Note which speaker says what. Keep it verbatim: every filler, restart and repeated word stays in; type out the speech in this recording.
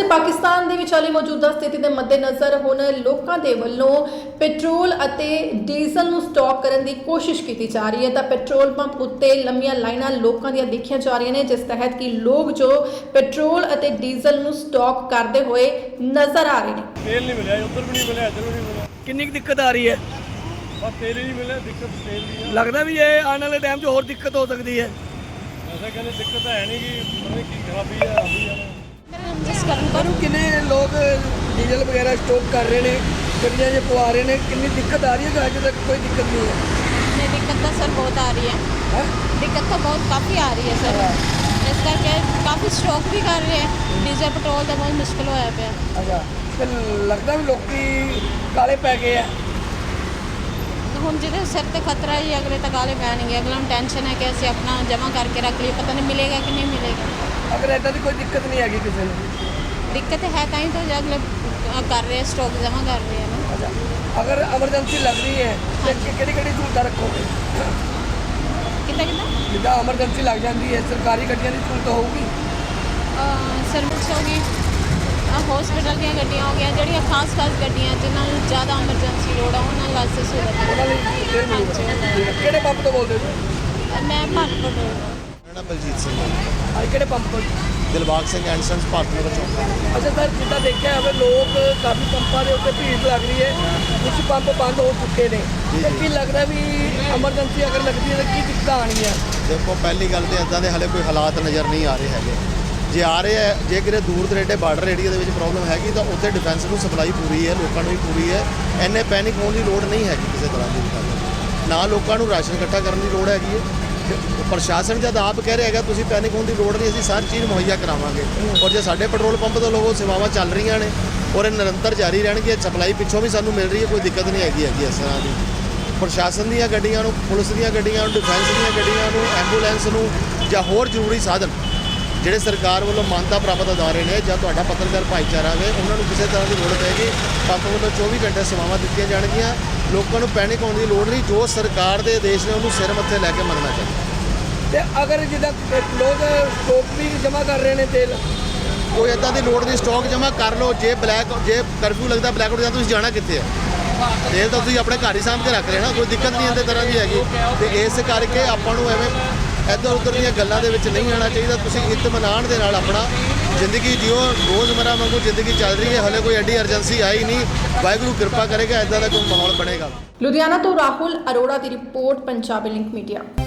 Speaker 1: ਪਾਸੇ ਪਾਕਿਸਤਾਨ ਦੇ ਵਿਚਾਲੇ ਮੌਜੂਦਾ ਸਥਿਤੀ ਦੇ ਮੱਦੇਨਜ਼ਰ ਹੁਣ ਲੋਕਾਂ ਦੇ ਵੱਲੋਂ ਪੈਟਰੋਲ ਅਤੇ ਡੀਜ਼ਲ ਨੂੰ ਸਟਾਕ ਕਰਨ ਦੀ ਕੋਸ਼ਿਸ਼ ਕੀਤੀ ਜਾ ਰਹੀ ਹੈ। ਤਾਂ ਪੈਟਰੋਲ ਪੰਪ ਉੱਤੇ ਲੰਮੀਆਂ ਲਾਈਨਾਂ ਲੋਕਾਂ ਦੀਆਂ ਦੇਖੀਆਂ ਜਾ ਰਹੀਆਂ ਨੇ, ਜਿਸ ਤਹਿਤ ਕਿ ਲੋਕ ਜੋ ਪੈਟਰੋਲ ਅਤੇ ਡੀਜ਼ਲ ਨੂੰ ਸਟਾਕ ਕਰਦੇ ਹੋਏ ਨਜ਼ਰ ਆ ਰਹੇ ਨੇ।
Speaker 2: तेल नहीं मिला, उधर भी नहीं मिला, इधर भी नहीं मिला।
Speaker 3: कितनी दिक्कत आ रही है?
Speaker 2: बस तेल ही नहीं मिला, दिक्कत तेल की है।
Speaker 3: लगता भी ये आने वाले टाइम से और दिक्कत हो सकती है।
Speaker 2: ऐसा कहने दिक्कत है नहीं कि पता नहीं की खराबी है अभी है।
Speaker 4: जिस कारण पर
Speaker 3: कितने लोग डीजल वगैरह स्टॉक कर रहे हैं, गड्डियां जो पवा रहे हैं, कितनी दिक्कत आ रही है? अभी तक कोई दिक्कत नहीं है।
Speaker 4: नहीं, दिक्कत तो सर बहुत आ रही है।
Speaker 3: है?
Speaker 4: दिक्कत तो बहुत काफ़ी आ रही है सर। इसका क्या काफ़ी स्टॉक भी कर रहे हैं, डीजल पेट्रोल का बहुत मुश्किल होया पे।
Speaker 3: अच्छा, तो लगता भी लोग काले पै गए हैं।
Speaker 4: हम जिधे सिर ते खतरा ही अगले तक काले पैणगे, अगला हम टेंशन है कि असं अपना जमा करके रख लिए, पता नहीं मिलेगा कि नहीं मिलेगा।
Speaker 3: अगर ऐसा की कोई दिक्कत नहीं हैगी किसी ने?
Speaker 4: दिक्कत है कहीं तो जो अगले कर रहे हैं, स्टॉक जमा कर रहे हैं ना।
Speaker 3: अच्छा, अगर एमरजेंसी लग रही है तो किहड़ी किहड़ी सहूलत रखोगे?
Speaker 4: कितना कितना
Speaker 3: जिदा एमरजेंसी लग जाती है, सरकारी गड्डियां की सहूलत होगी?
Speaker 4: सर्विस होगी, हॉस्पिटल ਦੀਆਂ ਗੱਡੀਆਂ ਹੋ ਗਈਆਂ, ਜਿਹੜੀਆਂ ਖਾਸ ਖਾਸ ਗੱਡੀਆਂ ਜਿਨ੍ਹਾਂ ਨੂੰ ਜ਼ਿਆਦਾ ਐਮਰਜੈਂਸੀ ਲੋੜ ਆ ਉਹਨਾਂ ਵਾਸਤੇ ਸਹੂਲਤ ਹੈ।
Speaker 3: ਉਹਨਾਂ ਲਈ ਤੇਲ ਮਿਲੂਗਾ। ਕਿਹੜੇ ਪੰਪ ਤੋਂ ਬੋਲਦੇ ਹੋ?
Speaker 4: ਮੈਂ ਭਾਰਤ ਤੋਂ
Speaker 5: ਮੇਰਾ ਨਾਮ ਬਲਜੀਤ ਸਿੰਘ ਹੈ।
Speaker 3: ਅੱਜ ਕਿਹੜੇ ਪੰਪ ਤੋਂ?
Speaker 5: ਦਿਲਬਾਗ ਸਿੰਘ ਐਂਡ ਸੰਸ ਭਾਰਤ ਨਗਰ ਚੌਂਕ।
Speaker 3: ਅੱਛਾ ਸਰ, ਜਿੱਦਾਂ ਦੇਖਿਆ ਹੋਵੇ ਲੋਕ ਕਾਫੀ ਪੰਪਾਂ ਦੇ ਉੱਤੇ ਭੀੜ ਲੱਗ ਰਹੀ ਹੈ, ਕੁਝ ਪੰਪ ਬੰਦ ਹੋ ਚੁੱਕੇ ਨੇ, ਤੇ ਕੀ ਲੱਗਦਾ ਵੀ ਐਮਰਜੈਂਸੀ ਅਗਰ ਲੱਗਦੀ ਹੈ ਤਾਂ ਕੀ ਦਿੱਕਤਾਂ ਆਉਣਗੀਆਂ?
Speaker 5: ਦੇਖੋ, ਪਹਿਲੀ ਗੱਲ ਤੇ ਇੱਦਾਂ ਦੇ ਹਾਲੇ ਕੋਈ ਹਾਲਾਤ ਨਜ਼ਰ ਨਹੀਂ ਆ ਰਹੇ ਹੈਗੇ। ਜੇ ਆ ਰਹੇ ਹੈ, ਜੇ ਕਿਤੇ ਦੂਰ ਦਰੇਡੇ ਬਾਰਡਰ ਏਰੀਆ ਦੇ ਵਿੱਚ ਪ੍ਰੋਬਲਮ ਹੈਗੀ ਤਾਂ ਉੱਥੇ ਡਿਫੈਂਸ ਨੂੰ ਸਪਲਾਈ ਪੂਰੀ ਹੈ, ਲੋਕਾਂ ਨੂੰ ਵੀ ਪੂਰੀ ਹੈ। ਇੰਨੇ ਪੈਨਿਕ ਹੋਣ ਦੀ ਲੋੜ ਨਹੀਂ ਹੈਗੀ ਕਿਸੇ ਤਰ੍ਹਾਂ ਦੀ ਗੱਲ। ਨਾ ਲੋਕਾਂ ਨੂੰ ਰਾਸ਼ਨ ਇਕੱਠਾ ਕਰਨ ਦੀ ਲੋੜ ਹੈਗੀ ਹੈ। ਪ੍ਰਸ਼ਾਸਨ ਜਦ ਆਪ ਕਹਿ ਰਿਹਾ ਹੈਗਾ ਤੁਸੀਂ ਪੈਨਿਕ ਹੋਣ ਦੀ ਲੋੜ ਨਹੀਂ, ਅਸੀਂ ਸਾਰੀ ਚੀਜ਼ ਮੁਹੱਈਆ ਕਰਾਵਾਂਗੇ। ਔਰ ਜੇ ਸਾਡੇ ਪੈਟਰੋਲ ਪੰਪ ਤੋਂ ਲੋਕ ਸੇਵਾਵਾਂ ਚੱਲ ਰਹੀਆਂ ਨੇ ਔਰ ਇਹ ਨਿਰੰਤਰ ਜਾਰੀ ਰਹਿਣਗੇ, ਸਪਲਾਈ ਪਿੱਛੋਂ ਵੀ ਸਾਨੂੰ ਮਿਲ ਰਹੀ ਹੈ, ਕੋਈ ਦਿੱਕਤ ਨਹੀਂ ਹੈਗੀ ਹੈਗੀ ਇਸ ਤਰ੍ਹਾਂ ਦੀ। ਪ੍ਰਸ਼ਾਸਨ ਦੀਆਂ ਗੱਡੀਆਂ ਨੂੰ, ਪੁਲਿਸ ਦੀਆਂ ਗੱਡੀਆਂ ਨੂੰ, ਡਿਫੈਂਸ ਦੀਆਂ ਗੱਡੀਆਂ ਨੂੰ, ਐਂਬੂਲੈਂਸ ਨੂੰ ਜਾਂ ਹੋਰ ਜ਼ਰੂਰੀ ਸਾਧਨ ਜਿਹੜੇ ਸਰਕਾਰ ਵੱਲੋਂ ਮਾਨਤਾ ਪ੍ਰਾਪਤ ਅਦਾਰੇ ਨੇ ਜਾਂ ਤੁਹਾਡਾ ਪੱਤਰਕਾਰ ਭਾਈਚਾਰਾ ਵੇ, ਉਹਨਾਂ ਨੂੰ ਕਿਸੇ ਤਰ੍ਹਾਂ ਦੀ ਲੋੜ ਪਏਗੀ ਪੰਪ ਵੱਲੋਂ ਚੌਵੀ ਘੰਟੇ ਸੇਵਾਵਾਂ ਦਿੱਤੀਆਂ ਜਾਣਗੀਆਂ। ਲੋਕਾਂ ਨੂੰ ਪੈਨਿਕ ਹੋਣ ਦੀ ਲੋੜ ਨਹੀਂ, ਜੋ ਸਰਕਾਰ ਦੇ ਆਦੇਸ਼ ਨੇ ਉਹਨੂੰ ਸਿਰ ਮੱਥੇ ਲੈ ਕੇ ਮੰਨਣਾ ਚਾਹੀਦਾ।
Speaker 3: ਤੇ ਅਗਰ ਜਿੱਦਾਂ ਲੋਕ ਸਟਾਕ ਵੀ ਜਮ੍ਹਾਂ ਕਰ ਰਹੇ ਨੇ ਤੇਲ,
Speaker 5: ਕੋਈ ਇੱਦਾਂ ਦੀ ਲੋੜ ਨਹੀਂ, ਸਟਾਕ ਜਮ੍ਹਾਂ ਕਰ ਲਓ। ਜੇ ਬਲੈਕ ਜੇ ਕਰਫਿਊ ਲੱਗਦਾ ਬਲੈਕ ਆਊਟ ਜਾਂ ਤੁਸੀਂ ਜਾਣਾ ਕਿੱਥੇ ਹੈ? ਤੇਲ ਤਾਂ ਤੁਸੀਂ ਆਪਣੇ ਘਰ ਹੀ ਸਾਂਭ ਕੇ ਰੱਖ ਲੈਣਾ, ਕੋਈ ਦਿੱਕਤ ਨਹੀਂ ਇਹਦੇ ਤਰ੍ਹਾਂ ਦੀ ਹੈਗੀ। ਤੇ ਇਸ ਕਰਕੇ ਆਪਾਂ ਨੂੰ ਐਵੇਂ ਇੱਧਰ ਉੱਧਰ ਦੀਆਂ ਗੱਲਾਂ ਦੇ ਵਿੱਚ ਨਹੀਂ ਆਉਣਾ ਚਾਹੀਦਾ। ਤੁਸੀਂ ਇਤਮਾਨਾਨ ਦੇ ਨਾਲ ਆਪਣਾ ਜ਼ਿੰਦਗੀ ਜਿਓ, ਰੋਜ਼ਮਰਾ ਵਾਂਗੂ ਜ਼ਿੰਦਗੀ ਚੱਲ ਰਹੀ ਹੈ। ਹਲੇ ਕੋਈ ਐਡੀ ਐਮਰਜੈਂਸੀ ਆਈ ਨਹੀਂ, ਵਾਹਿਗੁਰੂ ਕਿਰਪਾ ਕਰੇਗਾ, ਇੱਦਾਂ ਦਾ ਕੋਈ ਮਾਹੌਲ ਬਣੇਗਾ।
Speaker 1: ਲੁਧਿਆਣਾ ਤੋਂ ਰਾਹੁਲ ਅਰੋੜਾ ਦੀ ਰਿਪੋਰਟ, ਪੰਜਾਬੀ ਲਿੰਕ ਮੀਡੀਆ।